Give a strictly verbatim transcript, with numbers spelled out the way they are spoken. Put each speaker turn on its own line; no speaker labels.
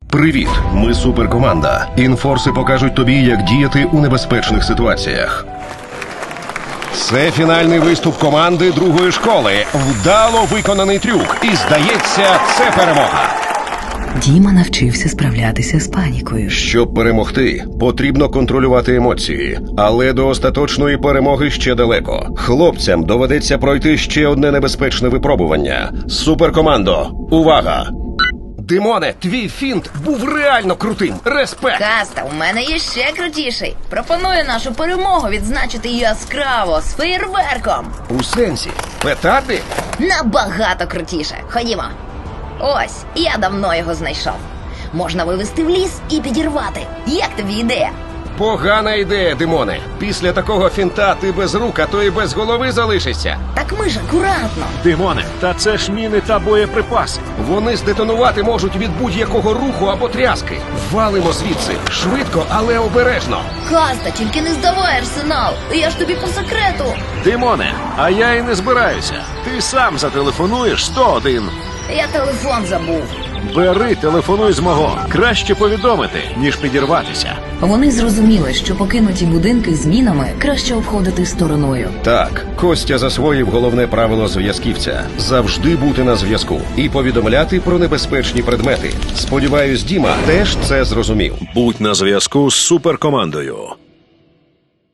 Привіт, ми суперкоманда. Інфорси покажуть тобі, як діяти у небезпечних ситуаціях. Це фінальний виступ команди другої школи. Вдало виконаний трюк. І, здається, це перемога.
Діма навчився справлятися з панікою.
Щоб перемогти, потрібно контролювати емоції. Але до остаточної перемоги ще далеко. Хлопцям доведеться пройти ще одне небезпечне випробування. Суперкомандо, увага! Димоне, твій фінт був реально крутим. Респект!
Каста, у мене є ще крутіший. Пропоную нашу перемогу відзначити яскраво з феєрверком.
У сенсі? Петарди?
Набагато крутіше. Ходімо. Ось, я давно його знайшов. Можна вивезти в ліс і підірвати. Як тобі ідея?
Погана ідея, Димоне. Після такого фінта ти без рук, а то і без голови залишишся.
Так ми ж акуратно.
Димоне, та це ж міни та боєприпаси.
Вони здетонувати можуть від будь-якого руху або тряски. Валимо звідси. Швидко, але обережно.
Каста, тільки не здавай арсенал. Я ж тобі по секрету.
Димоне, а я і не збираюся. Ти сам зателефонуєш сто один.
Я телефон забув.
Бери, телефонуй з мого. Краще повідомити, ніж підірватися.
Вони зрозуміли, що покинуті будинки з мінами краще обходити стороною.
Так, Костя засвоїв головне правило зв'язківця – завжди бути на зв'язку і повідомляти про небезпечні предмети. Сподіваюсь, Діма теж це зрозумів.
Будь на зв'язку з суперкомандою.